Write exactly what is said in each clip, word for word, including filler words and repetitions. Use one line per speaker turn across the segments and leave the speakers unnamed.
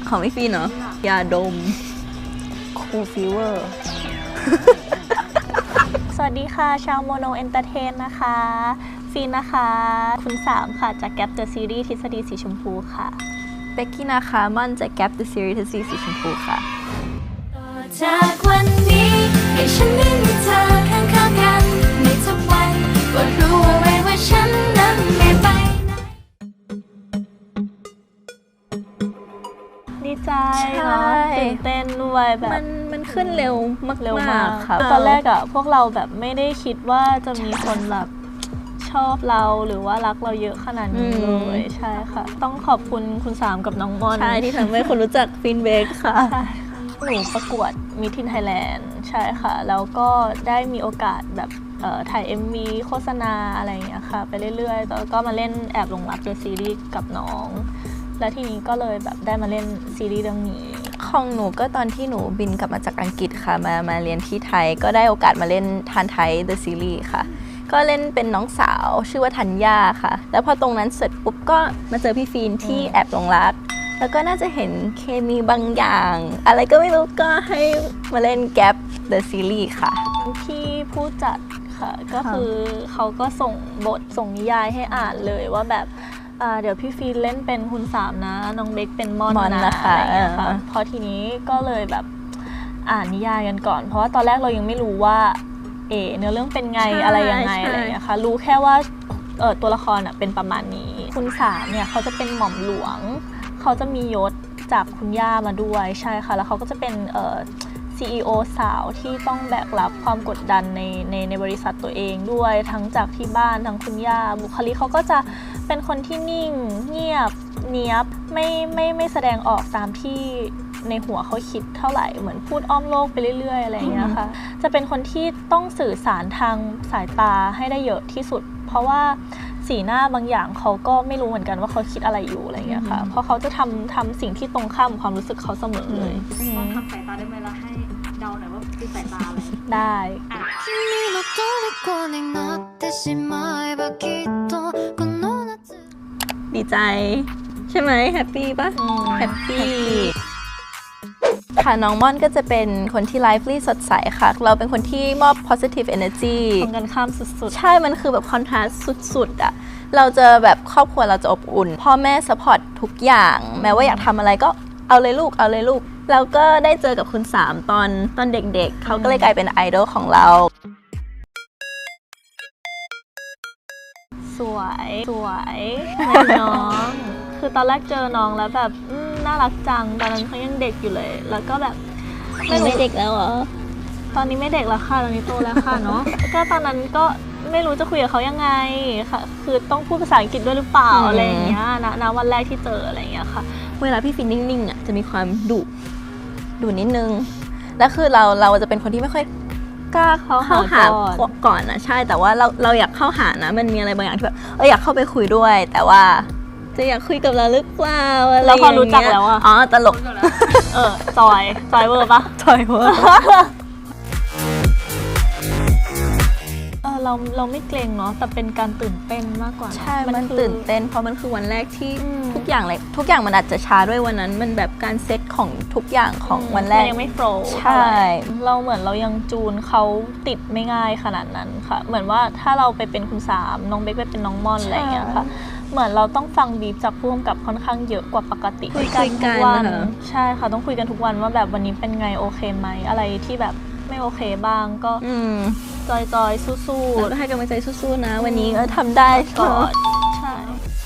ของพี่ฟีนเนาะยาดมคูลฟีเวอร์
สวัสดีค่ะชาวโมโนเอนเตอร์เทนนะคะฟีนนะคะคุณสามค่ะจากแก๊ปเดอะซีรีส์ทฤษฎีสีชมพูค่ะ
เบกกี้นะคะม่อนจากแก๊ปเดอะซีรีส์ทฤษฎีสีชมพูค่ะ
จากวันนี้ให้ฉันได้มีเธอข้างๆกันในทุกวันก็รู้เอาไว้ว่าฉันนั้นไม่ไปไหน
ดีใจเนาะตื่นเต้นด้วยแบบ
มันมันขึ้นเร็วมาก
เร็วมาก
ค่ะ
ตอนแรกอะพวกเราแบบไม่ได้คิดว่าจะมีคนแบบชอบเราหรือว่ารักเราเยอะขนาดนี้เลยใช่ค่ะต้องขอบคุณคุณสามกับน้องมอน
ใช่ที่ทำให้คนรู้จักฟินเบกค่ะ
หนูประกวดมิสทินไทยแลนด์ใช่ค่ะแล้วก็ได้มีโอกาสแบบถ่าย เอ็ม วี โฆษณาอะไรอย่างเงี้ยค่ะไปเรื่อยๆแล้วก็มาเล่นแอบหลงรักเดอะซีรีส์กับน้องและทีนี้ก็เลยแบบได้มาเล่นซีรีส์เรื่องนี้
ของหนูก็ตอนที่หนูบินกลับมาจากอังกฤษค่ะมามาเรียนที่ไทยก็ได้โอกาสมาเล่นทานไทย The Series ค่ะก็เล่นเป็นน้องสาวชื่อว่าธัญญาค่ะแล้วพอตรงนั้นเสร็จปุ๊บก็มาเจอพี่ฟีนที่แอบหลงรักแล้วก็น่าจะเห็นเคมีบางอย่างอะไรก็ไม่รู้ก็ให้มาเล่นแก๊ป The Series ค่ะ
ที่ผู้จัดค่ะก็คือเขาก็ส่งบทส่งนิยายให้อ่านเลยว่าแบบเดี๋ยวพี่ฟีนเล่นเป็นคุณสามนะน้องเบคเป็นม่อนนะอะไรอย่างเงี้ยค่ะพอทีนี้ก็เลยแบบอ่านนิยายกันก่อนเพราะว่าตอนแรกเรายังไม่รู้ว่าเอเนื้อเรื่องเป็นไงอะไรยังไงอะไรอย่างเงี้ยค่ะรู้แค่ว่าเออตัวละครอ่ะเป็นประมาณนี้คุณสามเนี่ยเขาจะเป็นหม่อมหลวงเขาจะมียศจากคุณย่ามาด้วยใช่ค่ะแล้วเขาก็จะเป็นเอ่อ ซี อี โอ สาวที่ต้องแบกรับความกดดันในในในบริษัทตัวเองด้วยทั้งจากที่บ้านทั้งคุณย่าบุคลิกเขาก็จะเป็นคนที่นิ่งเงียบเนียบไม่ไม่ไม่แสดงออกตามที่ในหัวเขาคิดเท่าไหร่เหมือนพูดอ้อมโลกไปเรื่อยๆอะไรอย่างเงี้ยค่ะจะเป็นคนที่ต้องสื่อสารทางสายตาให้ได้เยอะที่สุดเพราะว่าสีหน้าบางอย่างเขาก็ไม่รู้เหมือนกันว่าเขาคิดอะไรอยู่อะไรอย่างเงี้ยค่ะเพราะเขาจะทำทำสิ่งที่ตรงข้ามความรู้สึกเขาเสมอเลย
ลองทำสายตาได้ไหมล่ะให้เดาหน่อยว่าคือสายตาอะไร
ได้
ดีใจใช่ไหมแฮปปี้ปะแฮปปี้ค่ะน้องม่อนก็จะเป็นคนที่ไลฟ์ลี่สดใสค่ะเราเป็นคนที่มอบ positive energy
ตรงกันข้ามสุด
ๆใช่มันคือแบบคอนทราสต์สุดๆอะเราจะแบบครอบครัวเราจะอบอุ่นพ่อแม่ซัพพอร์ตทุกอย่างแม้ว่าอยากทำอะไรก็เอาเลยลูกเอาเลยลูกแล้วก็ได้เจอกับคุณสามตอนตอนเด็กๆเขาก็เลยกลายเป็นไอดอลของเรา
สวยสวยเหมือนน้องคือตอนแรกเจอน้องแล้วแบบน่ารักจังตอนนั้นเขายังเด็กอยู่เลยแล้วก็แบบ
ไม่ไม่เด็กแล้วเหรอ
ตอนนี้ไม่เด็กแล้วค่ะตอนนี้โตแล้วค่ะเนาะก็ตอนนั้นก็ไม่รู้จะคุยกับเขายังไงค่ะคือต้องพูดภาษาอังกฤษด้วยหรือเปล่าอะไรอย่างเงี้ยนะนะวันแรกที่เจออะไรอย่างเงี้ยค่ะ
เวลาพี่ฟินนิ่งๆอ่ะจะมีความดุดุนิดนึงแล้วคือเราเราจะเป็นคนที่ไม่ค่อยกล้าเข้าเข้าหาก่อนนะใช่แต่ว่าเราเราอยากเข้าหานะมันมีอะไรบางอย่างที่แบบเอออยากเข้าไปคุยด้วยแต่ว่าจะอยากคุยกับเราหรือเปล่าอะไรอย่างเงี้ย
เราพอรู้จักแล้วอะ
อ๋อตลก
เออจอยจอยเวอร์ปะ
จอยเวอร์
เราเราไม่เกรงเนาะแต่เป็นการตื่นเต้นมากกว่า
ใช่มันตื่นเต้นเพราะมันคือวันแรกที่ทุกอย่างเลยทุกอย่างมันอาจจะช้าด้วยวันนั้นมันแบบการเซตของทุกอย่างของวันแรก
มันยังไม่โฟล์
ใช่
เราเหมือนเรายังจูนเขาติดไม่ง่ายขนาดนั้นค่ะเหมือนว่าถ้าเราไปเป็นคุณสามน้องเบคไปเป็นน้องม่อนอะไรอย่างเงี้ยค่ะเหมือนเราต้องฟังบีฟจากผู้กำกับค่อนข้างเยอะกว่าปกติ
คุยกันทุกวัน
ใช่ค่ะต้องคุยกันทุกวันว่าแบบวันนี้เป็นไงโอเคไหมอะไรที่แบบไม่โอเคบ้างก็จอยจอยสู้ๆ
แล้วก็ให้กำลังใจสู้ๆนะวันนี้ก็ทำได้
ก่อนใช่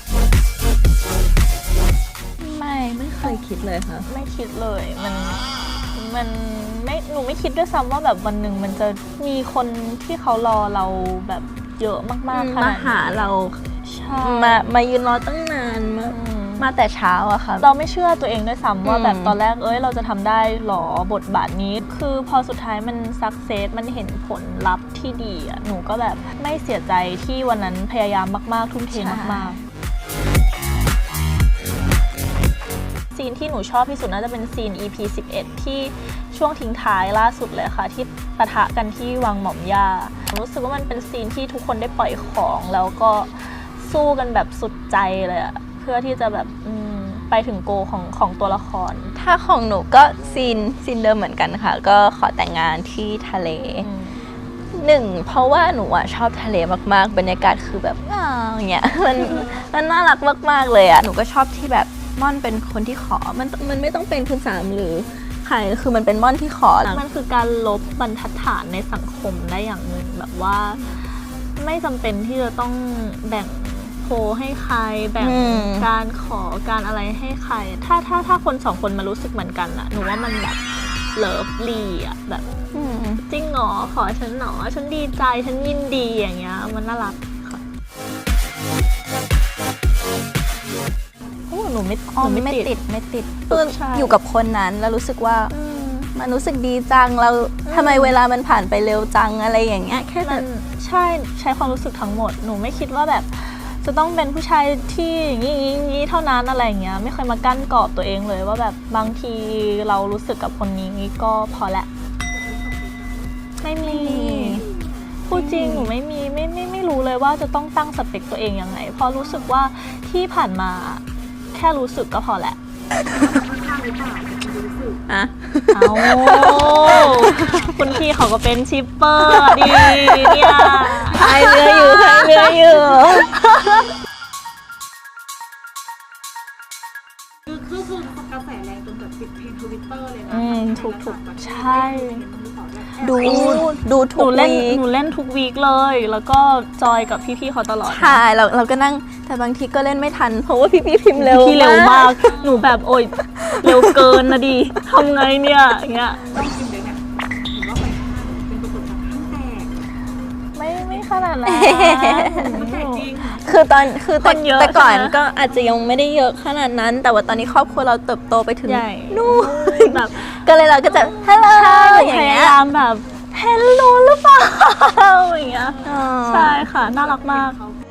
ไม่ไม่เคยคิดเลยค่ะ
ไม่คิดเลยมันมันไม่หนูไม่คิดด้วยซ้ำว่าแบบวันหนึ่งมันจะมีคนที่เขารอเราแบบเยอะมากๆค่ะ
มาหาเรามามายืนรอตั้งนานมามาแต่เช้าอะค่ะ
เราไม่เชื่อตัวเองด้วยซ้ำว่าแบบตอนแรกเอ้ยเราจะทำได้หรอบทบาทนี้คือพอสุดท้ายมันสักเซสมันเห็นผลลัพธ์ที่ดีอะหนูก็แบบไม่เสียใจที่วันนั้นพยายามมากๆทุ่มเทมากๆซีนที่หนูชอบที่สุดน่าจะเป็นซีน อี พี สิบเอ็ดที่ช่วงทิ้งท้ายล่าสุดเลยค่ะที่ปะทะกันที่วังหม่อมย่ารู้สึกว่ามันเป็นซีนที่ทุกคนได้ปล่อยของแล้วก็สู้กันแบบสุดใจเลยอะเพื่อที่จะแบบไปถึงโกของของตัวละคร
ถ้าของหนูก็ซีนซีนเดิมเหมือนกันค่ะ ก็ขอแต่งงานที่ทะเลหนึ่งเพราะว่าหนูอะชอบทะเลมากๆบรรยากาศคือแบบอ้าวอย่างเงี้ยมันมันน่ารักมากๆเลยอะหนูก็ชอบที่แบบม่อนเป็นคนที่ขอมันมันไม่ต้องเป็นคุณสามหรือใครคือมันเป็นม่อนที่ขอ
มันคือการลบบรรทัดฐานในสังคมได้อย่างหนึ่งแบบว่าไม่จำเป็นที่จะต้องแบ่งโพลให้ใครแบ่งการขอการอะไรให้ใครถ้าถ้าถ้าคนสองคนมารู้สึกเหมือนกันอะหนูว่ามันแบบเลิฟลีอะแบบจริงหรอขอฉันหนอฉันดีใจฉันยินดีอย่างเงี้ยมันน่ารักค่ะโอ้หนูไม่
อ๋อ
หนู
ไม่
ไม่
ติ
ติ
ด
ด
ไม่ติดคือ
ใช่
อยู่กับคนนั้นแล้วรู้สึกว่ามันรู้สึกดีจังเราทำไมเวลามันผ่านไปเร็วจังอะไรอย่างเงี้ยแค่
มั
นั้น
นใช่ใช้ความรู้สึกทั้งหมดหนูไม่คิดว่าแบบจะต้องเป็นผู้ชายที่อย่างนี้อย่างนี้เท่านั้นอะไรอย่างเงี้ยไม่เคยมากั้นกรอบตัวเองเลยว่าแบบบางทีเรารู้สึกกับคนนี้ก็พอละไม่มีพูดจริงหนูไม่มีไม่ไม่ไม่รู้เลยว่าจะต้องตั้งสเปคตัวเองยังไงเพราะรู้สึกว่าที่ผ่านมาแค่รู้สึกก็พอแหละ
อะ
เอาคุณพี่เขาก็เป็นชิปเปอร์ดีเนี่ย
พายเรืออยู่พายเรืออยู่
คือคือคือกระแสแรงจนแบบติดเทรนด์ทวิตเตอร์เลยนะ
อืมถูกถูกใช่
ดูดู
ห
ทุ
นู
ก
เล่น
วีค
หนูเล่นทุกวีคเลย แล้วก็จอยกับพี่ๆเขาตลอด
ใช่เราเราก็นั่งแต่บางทีก็เล่นไม่ทัน เพราะว่าพี่พี่พิมพ์เร็ว
พี่เร็วมาก หนูแบบโอ๊ยเร็วเกินนะดิทำไงเนี่ยอย่างเงี้ย
ต้องกินเลยเนี่ยเห็นว่าไปข้างหน้าเป็นปรากฏการณ์ข้างแตก
ไม่ไม่ขนาดนั้น
มันแตกจริง
คือตอนคือแต่
คนเยอะ
แต่ก่อน
ใช่ไหม
ก็อาจจะยังไม่ได้เยอะขนาดนั้น แต่ว่าตอนนี้ครอบครัวเราเติบโตไปถึง
ใหญ่
นู่น
แบบ
ก็เลยเราก็จะฮัลโหล
ใช่
อย่า
พ
ง
ยา
เงี้ย
ยามแบบเฮลโลหรือเปล่าอย่างเงี้ย
อ๋อ
ใช่ค่ะน่ารักมาก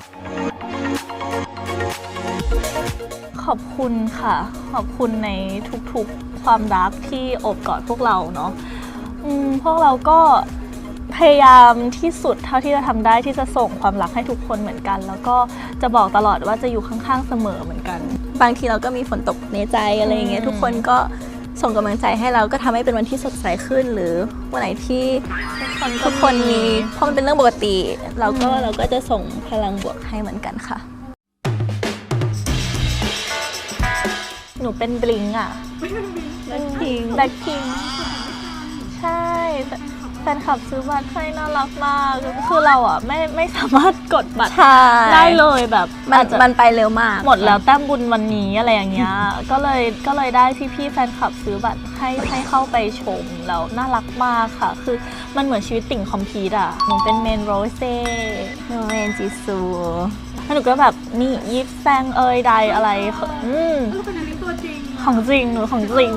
ขอบคุณค่ะ ขอบคุณในทุกๆความรักที่โอบกอดพวกเราเนาะอืมพวกเราก็พยายามที่สุดเท่าที่จะทำได้ที่จะส่งความรักให้ทุกคนเหมือนกัน แล้วก็จะบอกตลอดว่าจะอยู่ข้างๆเสมอเหมือนกัน
บางทีเราก็มีฝนตกในใจอะไรอย่างเงี้ย
อืม
ทุกคนก็ส่งกำลังใจให้เราก็ทำให้เป็นวันที่สดใสขึ้น หรือวันไหนที่ทุกคนมีเพราะมันเป็นเรื่องปกติ เราก็เราก็จะส่งพลังบวกให้เหมือนกันค่ะ
หนูเป็นบลิงอ่ะ
แบล็คพิงค์
แบล็คพิงค์ใช่แฟนคลับซื้อบัตรให้น่ารักมากคือเราอ่ะไม่ไม่สามารถกดบัตร
ใช่
ได้เลยแบบ
มัน
อาจจะ
มันไปเร็วมาก
หมดแล้วแต้มบุญวันนี้อะไรอย่างเงี้ย ก็เลยก็เลยได้พี่ๆแฟนคลับซื้อบัตรให้ให้เข้าไปชมแล้วน่ารักมากค่ะ คือมันเหมือนชีวิตติ่งคอมพีทอ่ะหนูเป็นเมนโรเซ่
โนเอนจิซู
แล้วหนูก็แบบนี่ยิปแซงเอยใดอะไรอืม
ก็เป็นอันนี้ตัวจริง
ของจริงหนูของจริง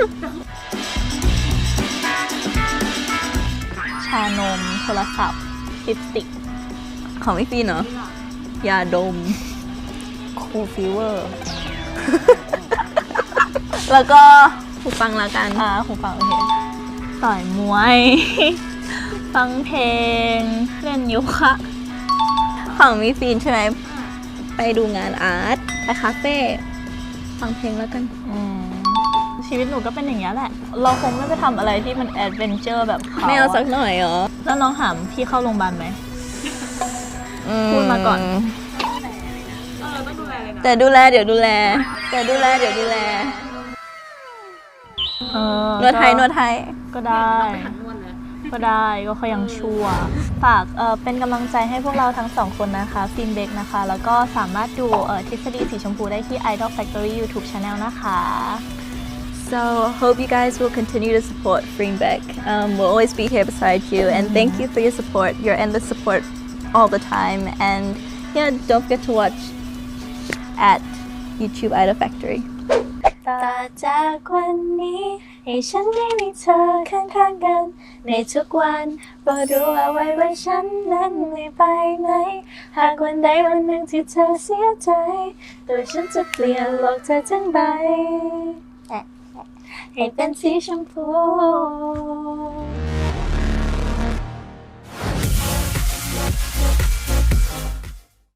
ชานมโทรศัพท์ลิปสติก
ของพี่ฟีนเนาะยาดมคูลฟิเวอร์ แล้วก็หูฟังละกัน
อ่าหูฟังโอเคต่อยมวย ฟังเพลง เล่นโยคะ
ของพี่ฟีนใช่ไหมไปดูงานอาร์ตไปคาเฟ่ฟังเพลงแล้วกัน
อืมชีวิตหนูก็เป็นอย่างนี้ยแหละ เราคงไม่ไปทำอะไรที่มันแอดเวนเจอร์แบบเขา
ไม่เอาสักหน่อยเหรอ
แล้วน้องหามพี่เข้าโรงพยาบาลไหม พูดมาก่อน
เออต้องดูแลเลยนะ
แต่ดูแลเดี๋ยวดูแล แต่ดูแลเดี๋ยวดูแล
เออน
วดไทยนวดไทย
ก็ได้
หันนวดเลย
ก็ได้ก็เขายังชั่ว ฝากเอ่อเป็นกำลังใจให้พวกเราทั้งสองคนนะคะฟินเบกนะคะ แล้วก็สามารถดูเอ่อทฤษฎีสีชมพูได้ที่ Idol Factory YouTube Channel นะคะ
So hope you guys will continue to support Greenback. Um, we'll always be here beside you, and thank you for your support, your endless support all the time. And yeah, don't forget to watch at YouTube Idol Factory.
ต่อจากวันนี้ให้ฉันได้มีเธอข้างๆกันในทุกวันโปรดรู้เอาไว้ว่าฉันนั้นไม่ไปไหนหากวันใดวันหนึ่งที่เธอเสียใจตัวฉันจะเปลี่ยนโลกเธอทั้งใบให้เป็นสีชมพู